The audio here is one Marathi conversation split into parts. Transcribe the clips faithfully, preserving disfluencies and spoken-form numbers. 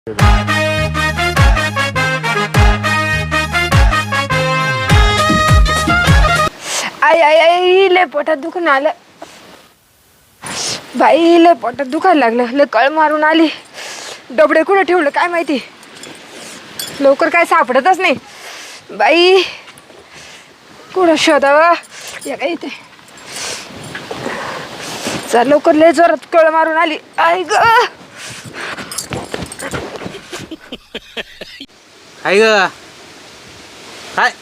आई आई आई लय पोटात दुखून आलं बाई, लय पोटात दुखायला लागलं. लय कळ मारून आली. डबडे कुठे ठेवलं काय माहिती, लवकर काय सापडतच नाही बाई. कुठं शोधावं या काय इथे. चल लवकर, लय जोरात कळ मारून आली. आई ग आई ग काय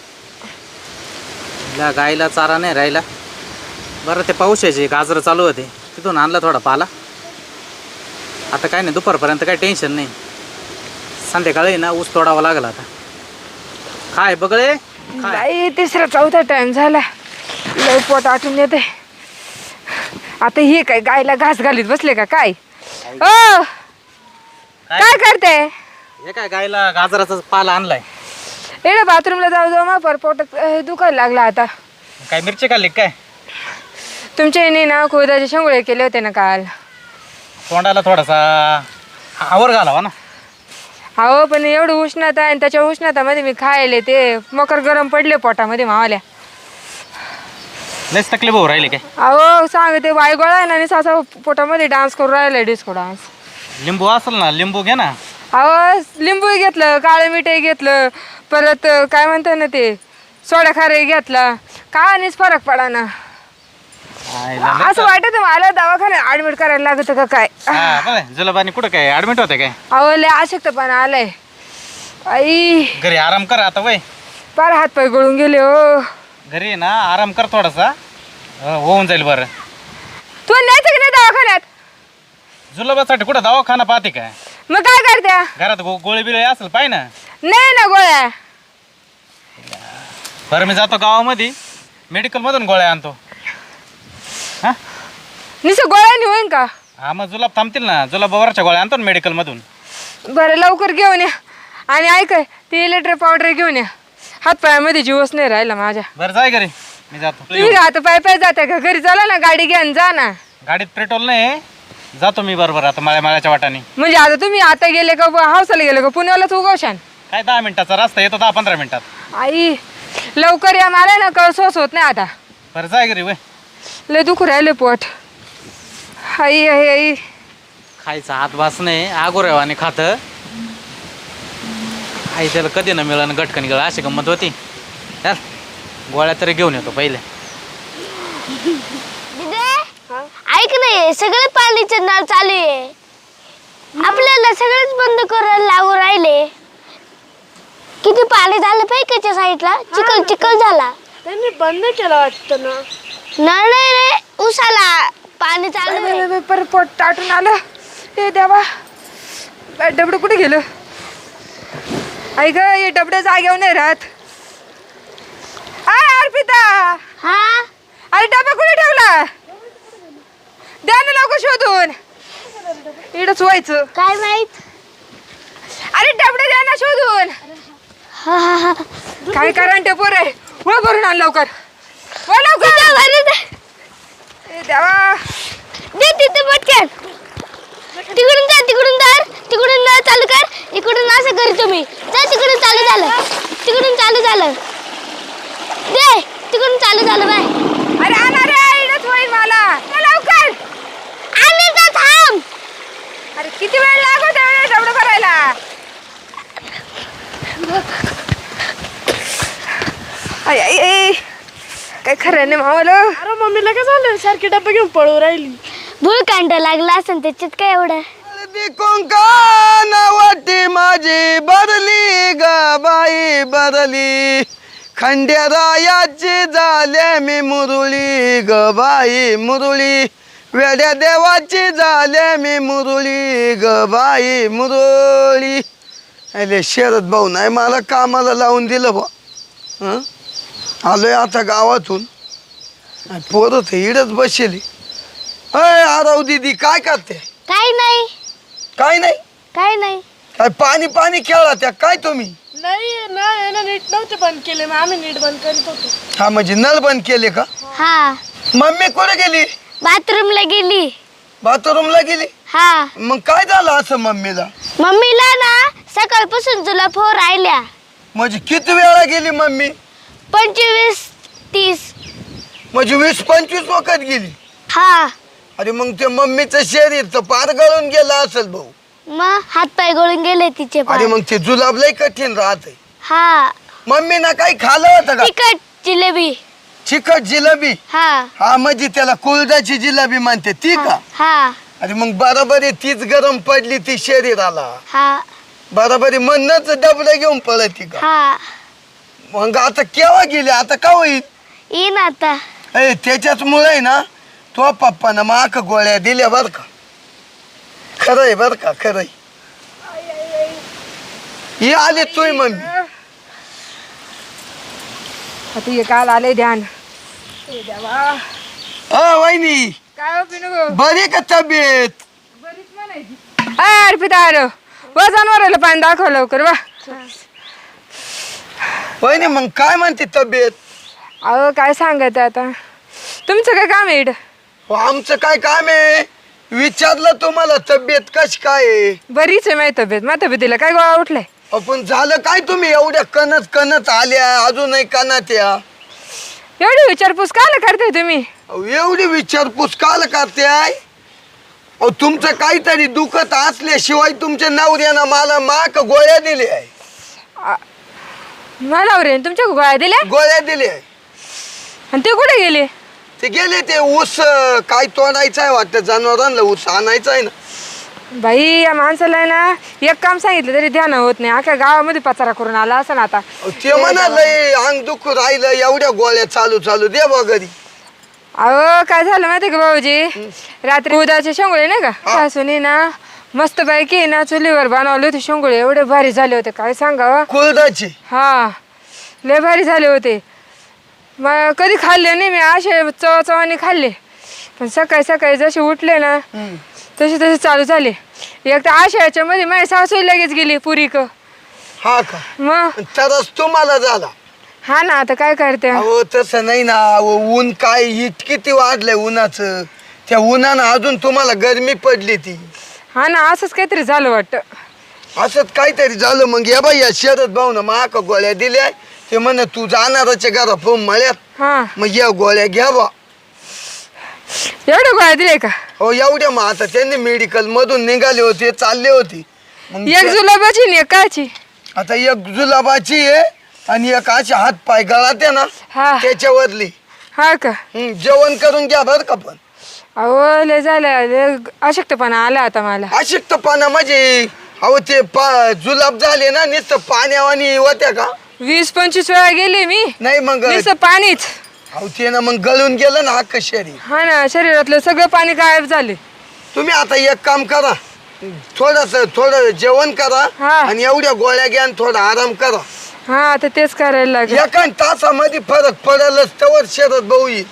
गाईला चारा नाही राहिला. बरं ते पावसाचे गाजरं चालू होते, तिथून आणला थोडा पाला. आता काय नाही, दुपारपर्यंत काय टेन्शन नाही. संध्याकाळी ना ऊस तोडावा लागला. आता काय बघळे बाई, तिसरा चौथा टाइम झाला. लय पोट आटून येते. आता हे काय गायला घास घालीत बसले का काय? ओ काय करते? हे काय गायला गाजराचा पाला आणलाय. एवढ्या बाथरूमला जाऊ जाऊ मा पर पोटात दुखायला लागला. आता काय मिरची खाल्ली काय? तुमच्या येणे ना खुदाचे शेंगुळे केले होते ना काल. तोंडाला थोडासा आवर घालावा ना. अहो पण एवढं उष्णता आहे, आणि त्याच्या उष्णतामध्ये मी खायले ते मकर गरम पडले पोटामध्ये मावाल्या. लयच तकलीफ होऊ राहिली काय? अहो सांगते वायगोळा आहे ना, आणि सासा पोटामध्ये डान्स करून राहिला, डिस्को डान्स. लिंबू असेल ना, लिंबू घे ना. अहो लिंबूही घेतलं, काळं मिठही घेतलं, परत काय म्हणतात ना ते सोडा खारही घेतला, काहीच फरक पडा ना. असं वाटत मला दवाखान्यात ऍडमिट करायला लागत का काय. जुलाबानी कुठं काय ऍडमिट होते काय? अहो लय अशक्तपणा आलाय. आई घरी आराम कर आता. वय पार हात पाय गळून गेले हो. घरी ना आराम कर थोडासा, होऊन जाईल बरं. तू न्यायचं की नाही दवाखान्यात? जुलाबासाठी कुठं दवाखाना पाहते काय? मग काय करत्या? घरात गो गोळी बिळी असेल पाय ना. नाही ना गोळ्या. बरं मी जातो गावामध्ये, मेडिकल मधून गोळ्या आणतो. हा निसं गोळ्या होईन का? हा मग जुलाब थांबतील ना, जुलाबावरच्या गोळ्या आणतो ना मेडिकल मधून. बरं लवकर घेऊन या. आणि ऐकाय ती इलेक्ट्रिक पावडर घेऊन या. हात पायामध्ये जीवच नाही राहिला माझ्या. बरं जाय घरी, मी जातो. तुम्ही आता पाय पाय जाते का? घरी चला ना, गाडी घ्या जा ना. गाडीत पेट्रोल नाही, जातो मी बरोबर आता माळ्या माळ्याच्या वाटाने. म्हणजे आता तुम्ही आता गेले का हावसाला गेले का पुण्यालाच उगवशान? काय दहा मिनिटाचा रस्ता येतो, दहा पंधरा मिनिटात. आई लवकर या, मला ना कळ सोस होत नाही आता. बरं जाय घरी. वय लय दुखू राहिले पोट. आई आई आई खायचा हात भास नाही, आगोरेवाने खात. आई त्याला कधी न मिळालं गटकन गेलं, अशी गंमत होती. चल गोळ्या तरी घेऊन येतो पहिले. ऐक नाही, सगळे पाणीचे नळ चालू आहे, आपल्याला सगळेच बंद करायला लागू राहिले. किती पाणी झालं पाहिजे साईडला, चिखल चिखल झाला. त्यांनी बंद केलं वाटतं ना. नळ नाही रे, उसाला पाणी चालू आहे. पर पोट टाटून आलं. हे देवा, डबडं कुठे गेलं? आई ग, हे डबडं जागेवर नाही राहत. आय अर्पिता, हा अरे डबा कुठे ठेवला? द्या ना लवकर शोधून. इकडंच व्हायचं काय माहित. अरे डबडं द्या ना शोधून. हा हा हा काय करा ते पोर आहे. व भरून आण लवकर, व लवकर. ए देवा, दे तिथे पटकन. तिकडून जा, तिकडून जा, तिकडून नळ चालू कर. इकडून असं कर तुम्ही. जा तिकडून चालू झालं, तिकडून चालू झालं. दे तिकडून चालू झालं बाय. अरे आणा रे, इकडंच होईल मला. ए, लवकर आम्ही का थांब. अरे किती वेळ लागत आहे डबडं भरायला? आई आई आई, काय खरं नाही मावाला. अरे मम्मीला काय झालं, सारखी डब्बा घेऊन पळू राहिली. भूळकांड लागला असेल त्याच्यात काय एवढं. वाटी माझी बदली ग बाई बदली, खंडेरायाची झाले मी मुरळी ग बाई मुरळी, वेड्या देवाची झाले मी मुरळी ग बाई मुरळी. अरे शरद भाऊ नाही मला कामाला लावून दिलं बा. हं आलोय आता गावातून, पोरं इडच बसली. अय आराव दीदी काय करते? काय नाही काय नाही काय नाही काय पाणी पाणी खेळला त्या काय तुम्ही? नाही नाही ना, नीट नव्हते बंद केले, मग आम्ही नीट बंद करीत होतो. हा म्हणजे नळ बंद केले का? हा. मम्मी कुठे गेली? बाथरूमला गेली. बाथरूमला गेली. हा मग काय झालं असं मम्मीला? मम्मीला ना सकाळपासून तुला फोन राहिल्या म्हणजे किती वेळा गेली मम्मी? पंचवीस तीस. म्हणजे वीस पंचवीस वखत गेली. हा अरे मग ते मम्मीचं शरीर तर पार गळून गेलं असेल भाऊ. मग हात पाय गळून गेले तिचे अरे पाय. मग ते जुलाब लय कठीण राहते. हा मम्मीना काही खाल्लं होतं का? तिखट जिलेबी. चिकट जिलेबी. हा हा म्हणजे त्याला कुळदाची जिलेबी म्हणते ती का? हा अरे मग बरोबर आहे, तीच गरम पडली ती शरीराला. हा बरोबर आहे, म्हणूनच डबडं घेऊन पळती का? हा मग आता केव्हा गेली? आता का होईल? येईन आता. ए त्याच्याच मुळे आहे ना तो पप्पानं माक गोळ्या दिल्या बर का. खरंय बर का, खरंय. ही आली तुय मम्मी. आता हे काल आले ध्यान. अ वहिनी काय पिनू बरी का तब्येत? बरीच म्हणायची. अय अर्पिता आलो व जनावराला पाणी दाखव लवकर वा. वहिनी मग काय म्हणते तब्येत? अहो काय सांगत आता तुमचं काय काम आहे इकडं? हो, आमचं काय काम आहे? विचारलं तुम्हाला तब्येत कशी काय आहे? बरीच आहे माझी तब्येत. माझ्या तब्येतीला काय गोळा उठलाय? आपण झालं काय तुम्ही एवढ्या कणत कणत आल्या अजूनही कणात या? एवढी विचारपूस कायला करताय तुम्ही? अहो, एवढी विचारपूस काल करते आहे? अहो तुमचं काहीतरी दुखत असल्याशिवाय तुमच्या नवऱ्यानं मला माक गोळ्या दिल्या आहे. मला रे तुमच्या गोळ्या दिल्या गोळ्या दिल्या आहे. आणि ते कुठे गेले? ते गेले ते ऊस अं, काय तोडायचं आहे वाटतं, जनावरांना ऊस आणायचा आहे ना. बाई या माणसाला आहे ना एक काम सांगितलं तरी ध्यान होत नाही. अख्या गावामध्ये पचारा करून आला असं ना आता. अहो, ते म्हणालंय अंग दुखू राहिलं एवढ्या गोळ्या चालू चालू दे बा घरी. अहो काय झालं माहिती का भाऊजी, रात्री उदाचे शेंगोळे नाही का सासूने ना मस्त पैकी ना चुलीवर बनवले होते शेंगोळे. एवढे भारी झाले होते काय सांगावं. कुळदाची. हा लय भारी झाले होते. मग कधी खाल्ले नाही मी असे चव चवाने खाल्ले. पण सकाळी सकाळी जसे उठले ना तसे तसे चालू झाले. एक तर आशयाच्या मध्ये माझी सासू लगेच गेली पुरी क. हा का? मग तरच तुम्हाला झाला. हा ना आता काय करते. अहो तसं नाही ना. अहो ऊन काय हिट किती वाढलंय उन्हाचं. त्या उन्हानं अजून तुम्हाला गरमी पडली ती. हा ना असंच काहीतरी झालं वाटतं. असंच काहीतरी झालं. मग या बाई या शरद भाऊन माक गोळ्या दिल्या. ते म्हण तू जाणारच्या घरा फोन मळ्यात. हा मग या गोळ्या घ्या बा. एवढे गोळ्या दिले का? हो एवढ्या. मग आता त्यांनी मेडिकल मधून निघाले होते चालले होते. मग एक त्या- जुलाबाची आणि एक काची. आता एक जुलाबाची आहे आणि एक अशी हात पाय गळाते ना हा त्याच्यावरली. हा का? हं, जेवण करून घ्या बर का. पण अहो लय झालं लय अशक्तपणा आला आता मला. अशक्तपणा म्हणजे अहो ते पा जुलाब झाले ना नुसतं पाण्यावानी होत्या का? वीस पंचवीस वेळा गेले मी नाही मग नुसतं पाणीच. अहो ते ना मग गळून गेलं ना अख्खं शरीर. हा ना शरीरातलं सगळं पाणी गायब झाले. तुम्ही आता एक काम करा, थोडस थोडं जेवण करा हा. आणि एवढ्या गोळ्या घ्या आणि थोडा आराम करा. हा आता तेच करायला लागेल. एका तासामध्ये फरक पडेलच. तवर शरद भाऊ येईल.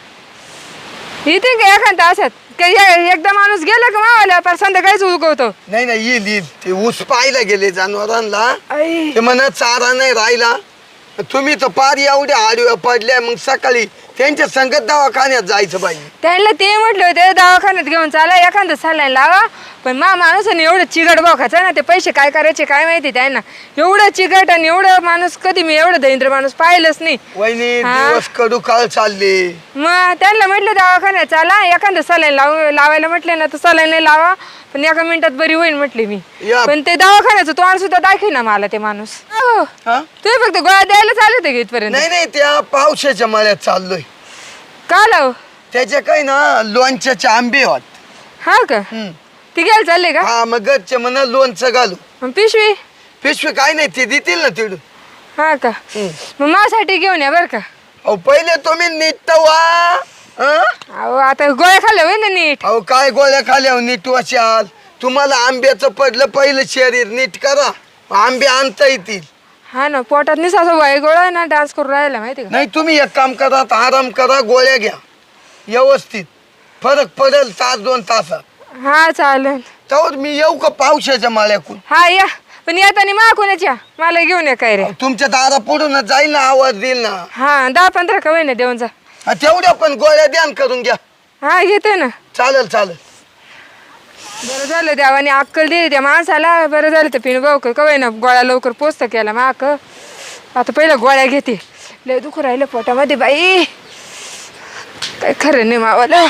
इथे का एखाद तासात काही ए- एकदा माणूस गेला का मावाला पर संध्याकाळीच उगवतो. नाही नाही येईल येईल. ते ऊस पाहायला गेले जनावरांना. आई. ते म्हणत चारा नाही राहिला. तुम्ही तर पार एवढ्या आडव्या पडल्या. मग सकाळी त्यांच्या संगत दवाखान्यात जायचं बाई. त्यांना ते म्हटलं होते दवाखान्यात घेऊन चाला एखादं सलाईन लावा. पण मा माणूसाने एवढं चिगट बघायचं ना ते पैसे काय करायचे काय माहिती त्यांना. एवढं चिगट आणि एवढं माणूस कधी मी एवढं दरिद्र माणूस पाहिलंच नाही. वहिनी हा. दिवस कडू काळ चालले. मग त्यांना म्हटलं दवाखान्यात चाला एखादं सलाईन लावू लावायला म्हटलं ना तर सलाईन नाही लावा पण एका मिनिटात बरी होईल म्हटली मी. या. पण ते दवाखान्याचं तोंड सुद्धा दाखवी ना मला ते माणूस. हो हा? तुम्ही फक्त गोळ्या द्यायला चालू होते का इथपर्यंत? नाही नाही त्या पावसाच्या मळ्यात चाललोय. का लाव? त्याच्या काही ना लोणच्याचे आंबे होत. हा का? हम्म. ती घ्यायला चालले का? हा मग घरचे म्हणा लोणचं घालू. मग पिशवी? पिशवी काय नाही ते देतील ना तिकडून. हा का? मग माझ्यासाठी घेऊन या बरं का. अहो पहिले तुम्ही नीट वा. हं? अहो आता गोळ्या खाल्ल्या होय ना नीट. अहो काय गोळ्या खाल्यावर नीट वाशाल. तुम्हाला आंब्याचं पडलं पहिलं शरीर नीट करा. आंबे आणता येतील. हा ना पोटात नाही असं वाई गोळा ना डान्स करून राहिला माहिती का. नाही तुम्ही एक काम करा आराम करा गोळ्या घ्या व्यवस्थित. फरक पडेल तास दोन तासात. हा चालेल. तर मी येऊ का पावसाच्या माळ्याकून? हा या पण येताना मा कोणाच्या मला घेऊन या काय रे. तुमच्या दारा पुढून जाईल ना आवाज देईल ना. हा दहा पंधरा का ना देऊन जा. हा, तेवढ्या पण गोळ्या ध्यान करून घ्या. हा घेते ना. चालेल चालेल. बरं झालं देवाने अक्कल दिली त्या माणसाला. बरं झालं तर पिणू भाऊ कवय ना गोळ्या लवकर पोचतं केला माक. आता पहिलं गोळ्या घेते. लय दुखू राहिलं पोटामध्ये बाई. काय खरं नाही मावाला.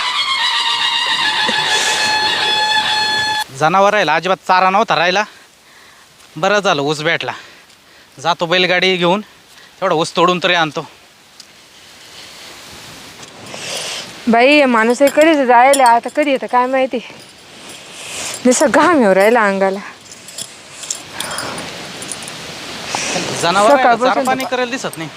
जनावर राहिला अजिबात चारा नव्हता राहिला. बरं झालं ऊस भेटला. जातो बैलगाडी घेऊन तेवढा ऊस तोडून तरी आणतो. बाई माणूस कधीच जायला आता कधी येतं काय माहिती. जसं घाम येऊ राहिला अंगाला. जनावर सकाळपासून चारा पाणी करायला दिसत नाही.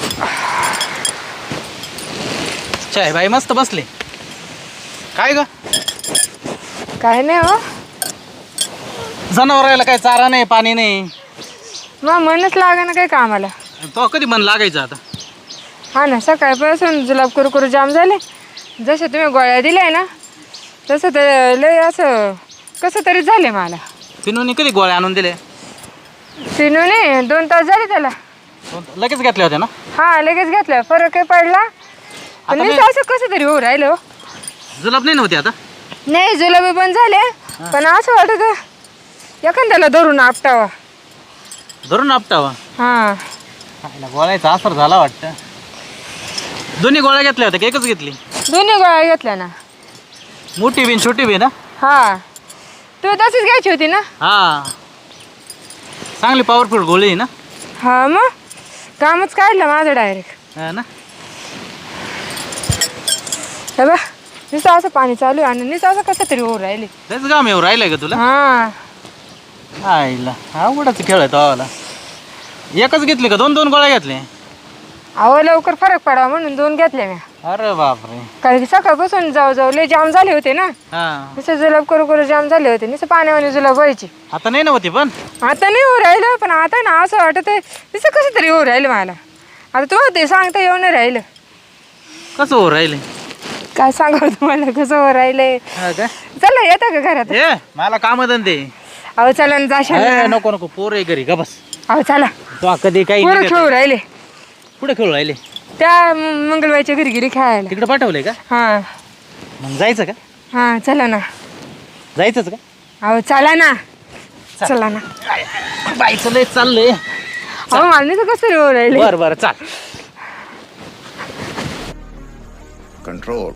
चाय बाई मस्त बसले. काय ग काय नाही हो. जनावर राहिला काय चारा नाही पाणी नाही. मग मनच लागा ना काय कामाला. तो कधी मन लागायचं आता. हा ना सकाळपासून जुलाब करू करू जाम झाले. जसं तुम्ही गोळ्या दिल्या ना तसं तर लय असं कसं तरी झाले मला. पिनूने कधी गोळ्या आणून दिले. पिनूने दोन तास झाले त्याला. लगेच घेतल्या होत्या ना. हा लगेच घेतलं फरक काही पडला. पण मी- नुसतं असं कसं तरी होऊ राहिलं हो. जुलाब नाही नव्हती आता. नाही जुलाबी बंद झाले पण असं वाटत एखाद्याला धरून आपटावा. धरून आपटावा. हा गोळ्याचा असर झाला वाटतं. दोन्ही गोळ्या घेतल्या होत्या की एकच घेतली. दोन्ही गोळ्या घेतल्या ना. मोठी बिन छोटी बिन. हा तू तशीच घ्यायची होती ना. हा चांगली पॉवरफुल गोळी आहे ना. हा मग कामच काढलं माझं डायरेक्ट. हा ना. हे बा नुसतं असं पाणी चालू आहे आणि नुसतं असं कसं तरी होऊ राहिले. त्याच काम येऊ राहिलंय का तुला. हा आईला आवडाच खेळ आहे तो आवाला. एकच घेतली का दोन दोन गोळ्या घेतल्या. अहो लवकर फरक पडावा म्हणून दोन घेतल्या मी. अरे बापरे. कारण की सकाळपासून जाऊ जाऊ लय जाम झाले होते ना. हा नुसतं जुलाब करू करू जाम झाले होते. नुसतं पाण्यावाने जुलाब व्हायची. आता नाही नव्हती पण. आता नाही होऊ राहिलं पण आता ना असं वाटत आहे नुसतं कसं तरी होऊ राहिलं मला. आता तुम्हाला ते सांगता येऊ नाही राहिलं. कसं हो राहिले. काय सांगावं तुम्हाला कसं होऊ राहिलंय. हा का. चला येतं का घरात. ए मला काम धंदे. अहो चला ना जाशाल ए, ना. नको नको पोर आहे घरी का बस. अहो चला तो कधी काही पोरं निघत खेळू नाही. राहिले. कुठे खेळू राहिले. त्या मंगलबाईच्या घरी गिरी खेळायला. तिकडे पाठवलंय का. हा मग जायचं का. हा चला ना. जायचंच का. अहो चला ना. चला ना. बाईचं लय चाललंय. अहो मला नाही तर कसं तरी होऊ राहिले. बरं बरं चाल. control